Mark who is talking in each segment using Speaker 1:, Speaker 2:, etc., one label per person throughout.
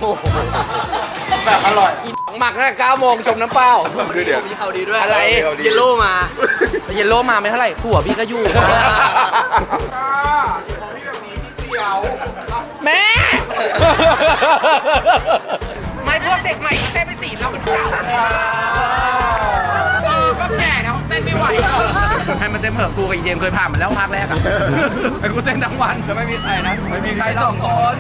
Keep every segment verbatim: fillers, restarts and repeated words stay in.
Speaker 1: แบบอร่อย
Speaker 2: หมักตั้งแต่เก้าโมงชมน้ำเปล่า
Speaker 1: คือเดี๋ยวมีเขาดีด้วย
Speaker 2: อะไร
Speaker 1: เยลโล่มา
Speaker 2: เยลโล่มาไม่เท่าไหร่ผัวพี่ก็อยู่แม่ไม่พวกเด็กใหม่เต้นไปสี่รอบเหมือนเก่าก็แก่แล้วเต้นไม่ไหวให้มันเต้นเถอะกูกับอีเจมเคยผ่านมาแล้วภาคแรกอะไอ้กูเต้นทั้งวันจะไม่มีใครนะไม่มีใครสองคน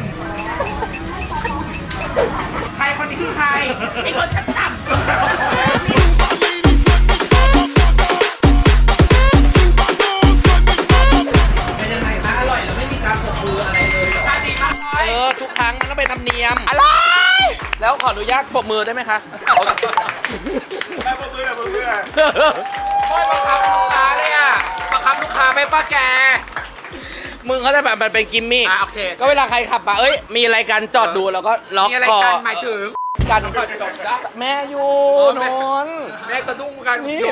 Speaker 2: ใครคนนี้คือใครไอ้คนชั้นต่ำเป็นยังไงคะอร่อยแล้วไม่มีการปรบมืออะไรเลยชาดีมากเออทุกครั้งมันต้องเป็นธรรมเนียมอร่อยแล้วขออนุญาตปรบมือได้ไหมคะ
Speaker 1: แม่ปรบมือปรบมือ
Speaker 2: โอ้ยบังคับลูกค้าเลยอ่ะบังคับลูกค้าไม่ป้าแกมึงเขาจะแบบมันเป็นกิมมี่
Speaker 1: อ่ะโอเค
Speaker 2: ก็เวลาใครขับมาเอ้ยมีอะไรกันจอดดูแล้วก็ล็อกคอมีอะไรกัน
Speaker 1: หมายถึง
Speaker 2: กันแม่อยู่นน
Speaker 1: แม่จะดุ้งกัน
Speaker 2: นี่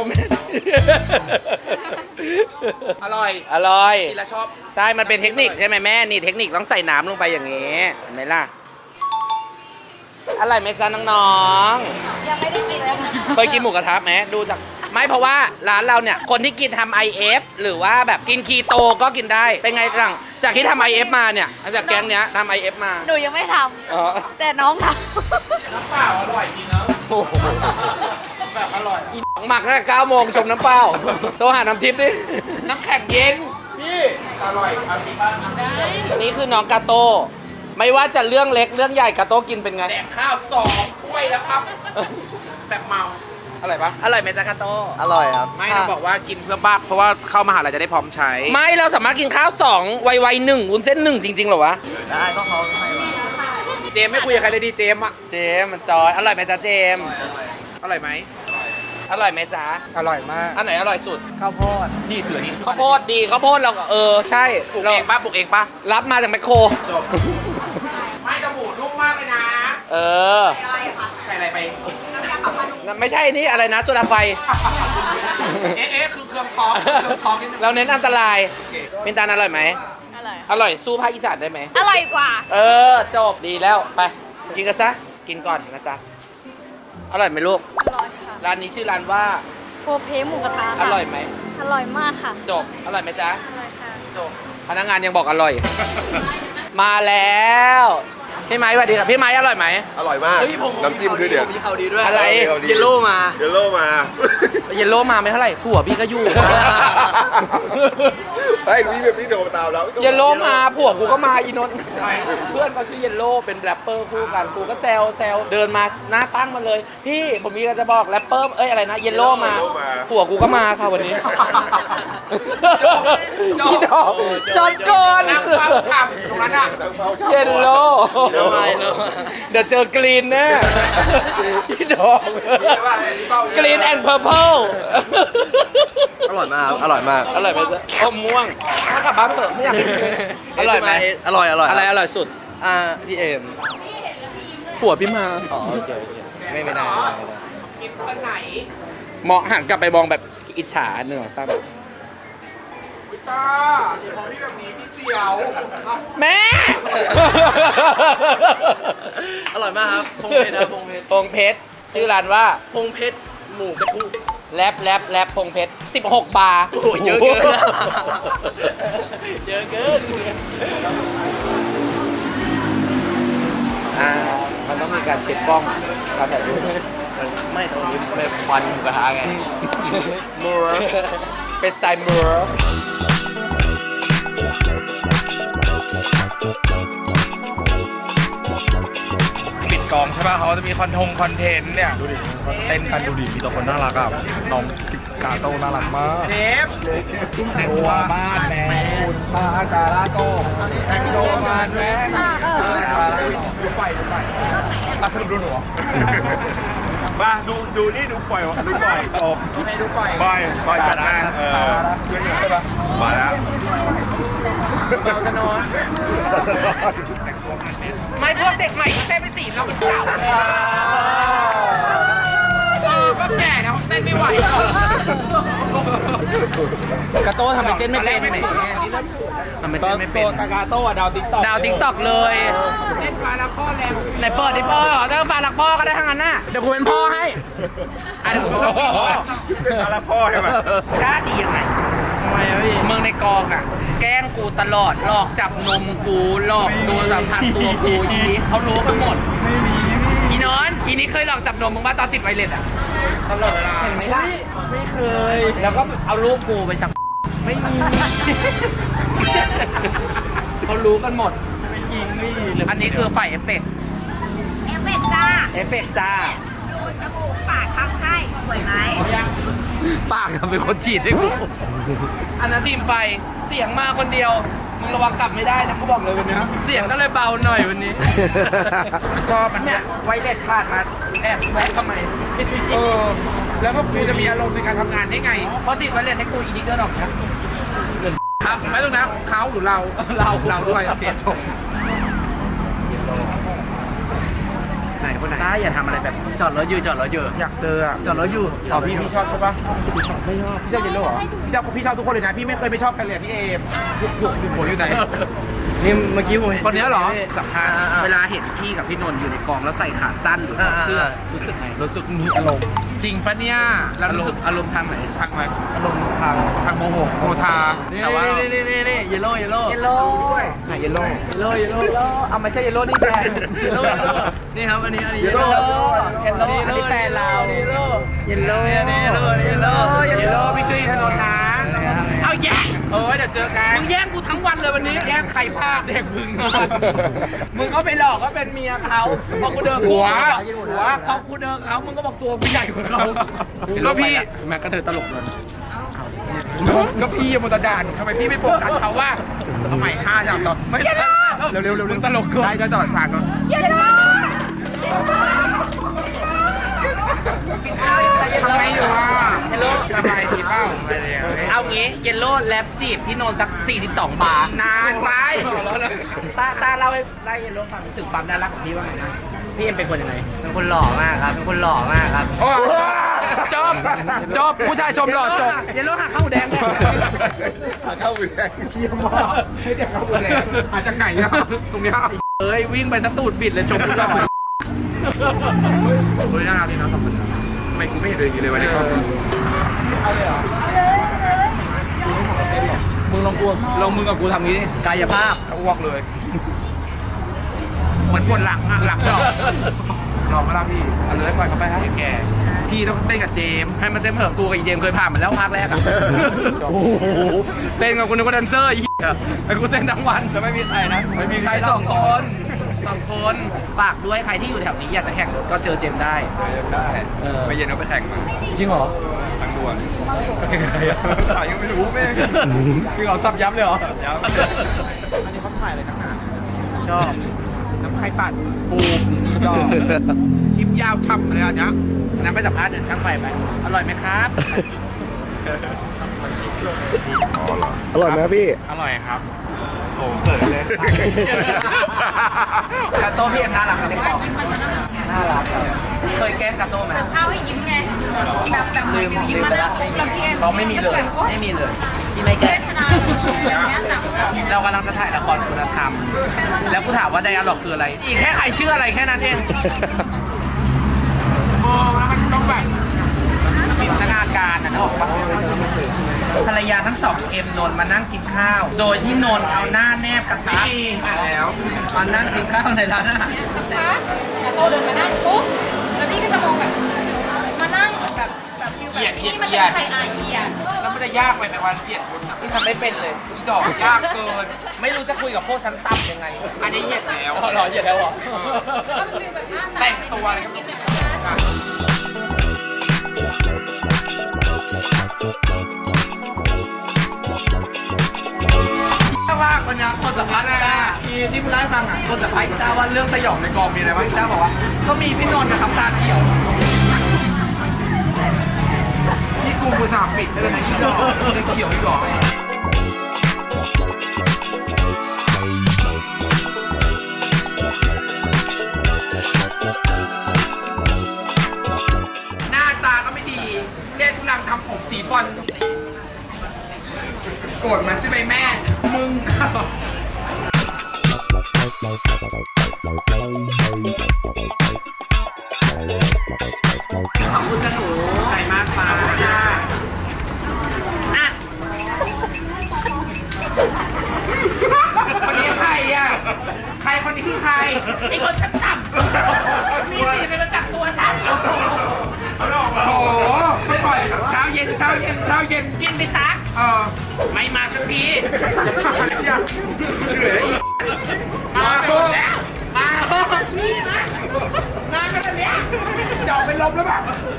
Speaker 1: อร่อย
Speaker 2: อร่อย
Speaker 1: กินแล้วชอบ
Speaker 2: ใช่มันเป็นเทคนิคใช่ไหมแม่นี่เทคนิคต้องใส่น้ำลงไปอย่างนี้เห็นไหมล่ะอร่อยไหมจ๊ะน้อง
Speaker 3: ๆยังไม่ได้กินเลย
Speaker 2: เคยกินหมูกระทะไหมดูจากไม่เพราะว่าร้านเราเนี่ยคนที่กินทำ ไอ เอฟ หรือว่าแบบกินคีโตก็กินได้เป็นไงหลังจากที่ทำ ไอ เอฟ มาเนี่ยจากแก๊งเนี้ยทำ ไอ เอฟ มา
Speaker 3: หนูยังไม่ทำแต่น้องท
Speaker 2: ำน้ำเปล่าอร่อยจริงเนาะ
Speaker 1: แบบอร่อย
Speaker 2: หมักตั้งแต่เก้าโมงชมน้ำเปล่าโทรหาน้ำทิพย์ดิน้ำแข็งเย็น
Speaker 1: พี่อร่อยเอาจริงป่ะ
Speaker 2: นี่คือน้องกาโต้ไม่ว่าจะเรื่องเล็กเรื่องใหญ่กาโต้กินเป็นไง
Speaker 1: แดกข้าวสองถ้วยแล้วครับแบบเมาอร่อยปะ
Speaker 2: อร่อยไหมจ๊ะกาโต้
Speaker 1: อร่อยครับไม่ต้องบอกว่ากินเพื่อบ้าเพราะว่าเข้ามหาลัยจะได้พร้อมใช้
Speaker 2: ไม่เราสามารถกินข้าวสองไวๆหนึ่งวุ้นเส้นหนึ่งจริงๆหรอวะ
Speaker 1: ได้ก็เขาให้มาเจมไม่คุยกับใครเลยดีเจมอะ
Speaker 2: เจมมันจอยอร่อยไหมจ๊ะเจม
Speaker 1: อร่อยไหม
Speaker 2: อร่อยไหมจ๊ะ
Speaker 1: อร่อยมาก
Speaker 2: อันไหนอร่อยสุด
Speaker 1: ข้าวโพดนี่ถือนี่
Speaker 2: ข้าวโพดดีข้าวโพดเราเออใช่
Speaker 1: ปลูกเองป่ะปลูกเองป่ะ
Speaker 2: รับมาจากแมคโคร
Speaker 1: จบไม่กระหมูนุ่มมากเลยนะ
Speaker 2: เออ
Speaker 1: ใส่อะไรไป
Speaker 2: ไม่ใช่นี่อะไรนะจุลไฟ
Speaker 1: เอ๊ะเอ๊ะคือเครื่องท้องเครื่องท้องนิดนึง
Speaker 2: เราเน้นอันตรายมินตาลอร่อยไหม
Speaker 3: อร่อย
Speaker 2: อร่อยสู้ภาคอีสานได้ไหม
Speaker 3: อร่อยกว่า
Speaker 2: เออจบดีแล้วไปกินกันซะกินก่อนนะจ๊ะอร่อยไหมลูก
Speaker 3: อร่อยค่ะ
Speaker 2: ร้านนี้ชื่อร้านว่า
Speaker 3: โพเพหมูกระทะ
Speaker 2: อร่อยไหม
Speaker 3: อร่อยมากค่ะ
Speaker 2: จบอร่อยไหมจ๊ะ
Speaker 3: อร่อยค่ะ
Speaker 2: จบพนักงานยังบอกอร่อยมาแล้วพี่ไม้สวัสดีครับพี่ไม้อร่อยไหม
Speaker 1: อร่อยมากน้ำจิ้มคือเดี๋ยวมีเขาดีด้วย
Speaker 2: อะไร
Speaker 1: เยลโล่มาเยลโล่มา
Speaker 2: เยลโล่มาไม่เท่าไหร่ผัวพี่ก็อยู่
Speaker 1: ไอ้พี่แบบพี่โดนตามแล้ว
Speaker 2: เยลโล่มาผัวกูก็มาอีนนท์เพื่อนเขาชื่อเยลโล่เป็นแรปเปอร์คู่กันกูก็แซวแซวเดินมาหน้าตั้งมาเลยพี่ผมมีอะไรจะบอกแรปเปอร์เอ้ยอะไรนะเยลโล่มาผัวกูก็มาค่ะวันนี้พี่ดอกจอดก่อน
Speaker 1: นั่งเฝ้าฉ่ำตรงนั้นอ่ะ
Speaker 2: เยลโล่เดี๋ยวเจอกรีนแน่พี่ดอกกรีนแอนด์เพอร์เพล
Speaker 1: อร่อยมากอร่อยมาก
Speaker 2: อร่อยไหมจ๊ะอมม่วงถ้ากลับบ้านเถอะไม่อยากกินอร่อยไหม
Speaker 1: อร่อยอร่อย
Speaker 2: อะไรอร่อยสุด
Speaker 1: อ่าพี่เอ็ม
Speaker 2: ผัวพี่มา
Speaker 1: อ๋อโอเคไม่ไม่ได้
Speaker 2: กินคนไหนมองหันกลับไปมองแบบอิจฉาหนึ่งสองสาม
Speaker 1: พี่ตาอย่าบอกพี่แบบนี้พี่เสียว
Speaker 2: แม่
Speaker 1: อร่อยมากครับพงเพชรนะพงเพชร
Speaker 2: พงเพชรชื่อร้านว่า
Speaker 1: พงเพชรหมูกระทุ
Speaker 2: แรปแรปแรปพงเพชรสิบหกบาร์
Speaker 1: โอ้เยอะเกินเยอะเกิน
Speaker 2: อ่ามันต้องมีการเช็คกล้องการถ่ายรูป
Speaker 1: ไม่ตรงนี้เป็นควันหมูกระทะไง
Speaker 2: มัวเป็นสไตล์มัว
Speaker 4: กองใช่ป่ะเขาจะมีคอนทงคอนเทนต์เนี่ยดูดิเขาเต้นกันดูดิมีตัวคนน่ารักอ่ะน้องกาโต้น่ารักมาก
Speaker 1: เทป
Speaker 4: ตัวบ้านแม่คุณพากาลาโต้ตัวบ้านแม่ดูไปดูไปอ่ะสรุปดูหนูมาดูดูนี่ดูปล่อยดูปล่อยจบ
Speaker 1: ไม่ดูปล่อย
Speaker 4: ปล่อยปล่อยจัดนะเออใช่ป่ะมาแล้ว
Speaker 2: เราจะนอนไม่พวกเด็กใหม่เต้นไปสี่รอบเหมือนเก่าก็แก่แล้วเต้นไม่ไหวกระโต้ทำไปเต้นไม่เป็นไหนทำไปเต้นไม่เป็น
Speaker 4: ตากาโต้อะดาวติ๊กต็อก
Speaker 2: ดาวติ๊กต็อกเลย
Speaker 1: เล่นฟ้าแล้วข้อแรง
Speaker 2: ไหนเปิดดิพ่อถ้าฝากหลักพ่อก็ได้ทั้งนั้นน่ะเดี๋ยวกูเป็นพ่อให้อ่ะเดี๋ยวกูเป็นพ่อ
Speaker 4: เป็นอะไรพ่อใช่ไหม
Speaker 2: กล้าดียังไงทำไมอะพี่มึงในกองอ่ะแกล้งกูตลอดหลอกจับนมกูหลอกตัวสัมผัสตัวกูอีนี้เขารู้กันหมดไม่มีอีนอนอีนี้เคยหลอกจับนมมึงว่าตอนติดไวเลสอ่ะตลอดเวลาเห็นไหมล่ะไม่เคยแล้วก็เอารูปกูไปชักไม่มีเขารู้กันหมดไม่จริงนี่อันนี้คือไฟเอฟเฟกต์
Speaker 3: เอฟเฟกต์จ้า
Speaker 2: เอฟเฟกต์จ้า
Speaker 3: ดูจมูกปากทำให้สวยไหม
Speaker 2: ปากทำเป็นคนฉีดให้กูอันนั้นทีมไฟเสียงมาคนเดียวมึงระวังกลับไม่ได้นะกูบอกเลยวันนี้เสียงก็เลยเบาหน่อยวันนี้มันชอบมันเนี่ยไวเลสขาดมาแอบแวะทำไม
Speaker 1: เออ แล้วก็กูจะมีอารมณ์ในการทำงานได้ไง
Speaker 2: เพราะติดไวเลสให้กูอีดิเตอร์ดอกนะครับ
Speaker 1: ไม่ต้องนะเขาหรือเรา
Speaker 2: เรา
Speaker 1: เราด้วยเปลี่ยนชมไหนคนไหน
Speaker 2: ต้าอย่าทำอะไรแบบจอดรถอยู่จอดรถอยู่
Speaker 1: อยากเจออ่ะ
Speaker 2: จอดรถอยู่
Speaker 1: อ๋อพี่พี่ชอบใช่ปะพี่ชอบไม่ชอบพี่ชอบเยลโล่เหรอพี่ชอบพี่ชอบทุกคนเลยนะพี่ไม่เคยไม่ชอบใครเลยพี่เอมถูกถูกถูกหัวอยู่ไหน
Speaker 2: นี่เมื่อกี้ผม
Speaker 1: คนนี้เหรอ
Speaker 2: สัมภาษณ์เวลาเห็นพี่กับพี่นนท์อยู่ในกองแล้วใส่ขาสั้นหรือถอดเสื้อรู้สึกไง
Speaker 1: รู้สึกมีอารมณ์จริงปะเนี่ย
Speaker 2: แล้วรู้สึกอารมณ์ทางไหน
Speaker 1: ทางไหนอารมณ์ทางทางโมโหโมทา
Speaker 2: แต่ว่านี่นี่นี่นี่เยลโล่เยลโล่เยลโล่
Speaker 1: ไหนเยลโล่
Speaker 2: เยลโล่เยลโล่เอาไม่ใช่เยลโล่นี่แฟนเยลโล่เยลโล่นี่ครับอันนี้อันนี้เยลโล่เยลโล่อันนี้แฟนเราเยลโล่เยลโล่นี่เยลโล่เยลโล่
Speaker 1: เยลโล่พี่ชื่อถนนนะเอาแย่งเออเดี๋ยวเจอกัน
Speaker 2: มึงแย่งกูทั้งวันเลยวันนี้
Speaker 1: แย่งใครภาพ
Speaker 2: เด็กมึงมึงก็ไปหลอกว่าเป็นเมียเขาพอกูเดิน
Speaker 1: หัว
Speaker 2: หัวพอกูเดินเขามึงก็บอกตัวผู้ใหญ่กว่าเขา
Speaker 1: ก็พี่
Speaker 2: แม็กก็เธอตลกเลย
Speaker 1: ก็พี่มตดานทำไมพี่ไม่โฟกัสเขาว่าทำไมห้าสามสอง
Speaker 2: ไม่ได้
Speaker 1: เร็วเร็วเร็ว
Speaker 2: มึงตลกเกิน
Speaker 1: ได้ได้ต่อสากก็ทำไมอยู่อ่ะ
Speaker 2: เยลโล่
Speaker 1: สบายดีเปล่าไม่เลย
Speaker 2: เอางี้เยลโล่แรปจีบพี่โนนสักสี่สิบสองบาท
Speaker 1: นานไป
Speaker 2: ตาตาเล่าให้ได้เยลโล่ฟังถึงความน่ารักของพี่ว่าไงนะพี่เอ็มเป็นคนยังไง
Speaker 5: เป็นคนหล่อมากครับ เป็นคนหล่อมากครับ
Speaker 1: โอ้จบจบผู้ชายชมหล่อจบ
Speaker 2: เยลโล่หาข้าวหมูแดงเนี่ย
Speaker 1: ขาเข้าบุญแดงเยี่ยมมากให้เด็กเข้าบุญแดงอาจจะไหนอะตรงเนี้ย
Speaker 2: เอ้ยวิ่งไปสตูดบิดเลยชมกูหน่อย
Speaker 1: เฮ้ยน่ารักดีนะสองคนทำไมกูไม่เห็นเลยอย่างนี้เลยวะในกล้อง
Speaker 2: มึงลองกูลองมึงกับกูทำงี้ดิกายภาพ
Speaker 1: เขาอ้วกเลยเหมือนปวดหลังอะหลังดอกลองมาแล้วพี่
Speaker 2: เอาเลยปล่อยเขาไปครับ
Speaker 1: แกพี่ต้องเต้นกับเจม
Speaker 2: ให้มันเต็มเหอะกูกับอีเจมเคยผ่านมาแล้วภาคแรกอะโอ้โหเต้นกับกูนึกว่าแดนเซอร์ไอ้เหี้ยไอ้กูเต้นทั้งวัน
Speaker 1: แล้วไม่มีใครนะ
Speaker 2: ไม่มีใครสองคนสองคนฝากด้วยใครที่อยู่แถวนี้อยากจะแข่งรถก็เจอเจมได้
Speaker 1: ได้
Speaker 2: เออ
Speaker 1: ไปเย็นเอาไปแข่งมา
Speaker 2: จริงเหรอ
Speaker 1: ทางด่วน
Speaker 2: แข่งใครอะ
Speaker 1: ถ่ายยังไม่รู้แม่ง
Speaker 2: พี่เขาซับยับเลยเหรอ
Speaker 1: ยับ อันนี้เขาถ่ายอะไรต่างหาก
Speaker 2: ชอบ
Speaker 1: น้ำไข่ตัด
Speaker 2: ปู
Speaker 1: ดอกคลิปยาวช่ำเลยอันเนี้ย
Speaker 2: นั้นไปสัมภาษณ์เดินช่างไฟไปอร่อยไหมครับ
Speaker 6: อร่อยไหมครับพี่
Speaker 1: อร่อยครับโอ้เขินเลย
Speaker 2: กาโต้พี่เอ็มน่ารักในกล่องน่ารักเคยแกล้งกาโต้ไหม
Speaker 3: เอาให้ยิ้มไง แบบแบบลืมยิ้มมาแล้วแล้วพี่เอ็ม
Speaker 2: เราไม่มีเลย
Speaker 5: ไม่มีเลย ที่ไม่แก้
Speaker 3: เวทนาอย่างเงี้ยแบบ
Speaker 2: เรากำลังจะถ่ายละครคุณธรรม แล้วกูถามว่าไดอะล็อกคืออะไร อีกแค่ใครชื่ออะไรแค่นั้นเองโอ้แล้วมันต้องแบบจินตนาการนะนึกออกปะภรรยาทั้งสองเอ็มนนท์มานั่งกินข้าว โดยที่นนท์เอาหน้าแนบกระทะ
Speaker 1: มาแล้ว
Speaker 2: มานั่งกินข้าวในร้านอาหาร
Speaker 3: คะแต่โตเดินมานั่งปุ๊บแล้วพี่ก็จะมองแบบ มานั่งแบบแบบฟิลแบบนี้มันเป็นใครอาเอียด
Speaker 1: แล้วมันจะยากไปในวันเหยียดคนอ่ะ
Speaker 2: ที่ทำไม่เป็นเลย
Speaker 1: ดอกยากเกิน
Speaker 2: ไม่รู้จะคุยกับพวกชั้นต่ำยังไง
Speaker 1: อันนี้เหยียดแล้ว
Speaker 2: อ๋อเหรอเหยียดแล้วเหรอ
Speaker 3: ก็ฟิลแบบหน้าตา
Speaker 1: แต่งตัวอะไรก็ไม่รู้
Speaker 2: ถ้าว่าคนยังคนสัมภาษณ์ได้ที่ที่มึงเล่าให้ฟังอ่ะคนสัมภาษณ์กีต้าว่าเรื่องสยองในกองมีอะไรบ้างกีต้าบอกว่า ก็มีพี่นนท์นะครับตาเขียว
Speaker 1: นี่กูกูสามปิดได้เลยนะอีดอกยังเขียวอีกดอกหน้าตาก็ไม่ดี เล่นทุลังทำผมสีบอลโกรธมันใช่ไหมแม่ มึง
Speaker 2: ขอบคุณจ้าหนูใจมากค่ะอ่ะคนนี้ใครอ่ะใครคนนี้คือใครไอ้คนชั้นต่ำมีสิทธิ์ไปประจับตัวฉัน
Speaker 1: โอ้โหไม่ปล่อยเช้าเย็นเช้าเย็นเช้าเย็น
Speaker 2: กินไปซัก
Speaker 1: เออ
Speaker 2: ไม่มาสักที
Speaker 1: ยังเหลืออีก
Speaker 2: มาไปหมดแล้วมาเถอะนี่นะนานขนาดเนี้ย
Speaker 1: จะออกเป็นลมแล้วป่ะ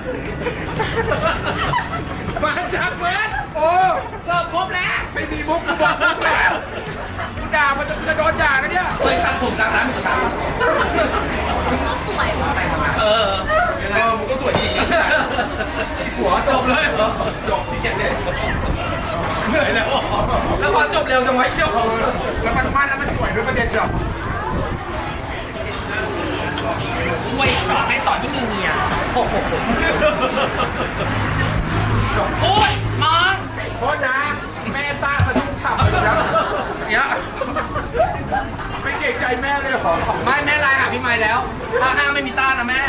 Speaker 2: มาจากเบิร์ด
Speaker 1: โอ้
Speaker 2: เสิร์ฟครบแล้ว
Speaker 1: ไม่มีมุกกูบอกมุกแล้วกูด่ามันจะจะโดนด่าแล้วเนี่ย
Speaker 2: เคยตัดผมกลางร้านหมูกระทะ
Speaker 3: สวย
Speaker 2: เออ
Speaker 1: เออมึงก็สวยจริงนะหัว
Speaker 2: จบเลยเหรอ
Speaker 1: จบที่เจ็ดเลย
Speaker 2: เหนื่อยแล้วเหรอแล้วพอจบเร็วจังไวะเจ้า
Speaker 1: แล้วมันมั่นแล้วมันสวยด้วยประเด็นเดียว
Speaker 2: ช่วยสอนให้สอนที่มีเมียโอ้ยมอง
Speaker 1: โทษนะแม่ตาสะดุ้งฉ่ำเลยนะเนี่ยไม่เกรงใจแม่เลยเหรอ
Speaker 2: ไม่แม่ไลน์หาพี่ไม้แล้วถ้าห้ามไม่มีต้านนะแม่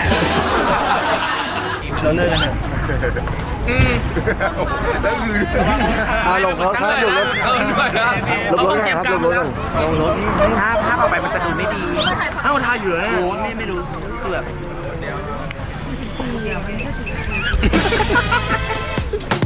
Speaker 6: เราเลิกกันเถอะ
Speaker 2: อืม
Speaker 1: แล้วคือ
Speaker 6: อาลงเขาครับลงรถ
Speaker 2: เออเหนื่อยแล้ว
Speaker 6: ลงรถกันครับลงรถกันลงรถ
Speaker 1: ถ้าภาพออกไปมันจะดูไม่ดี
Speaker 2: เอ้าทาอยู่แล้วโอ้ไม่ไม่รู้เกือบ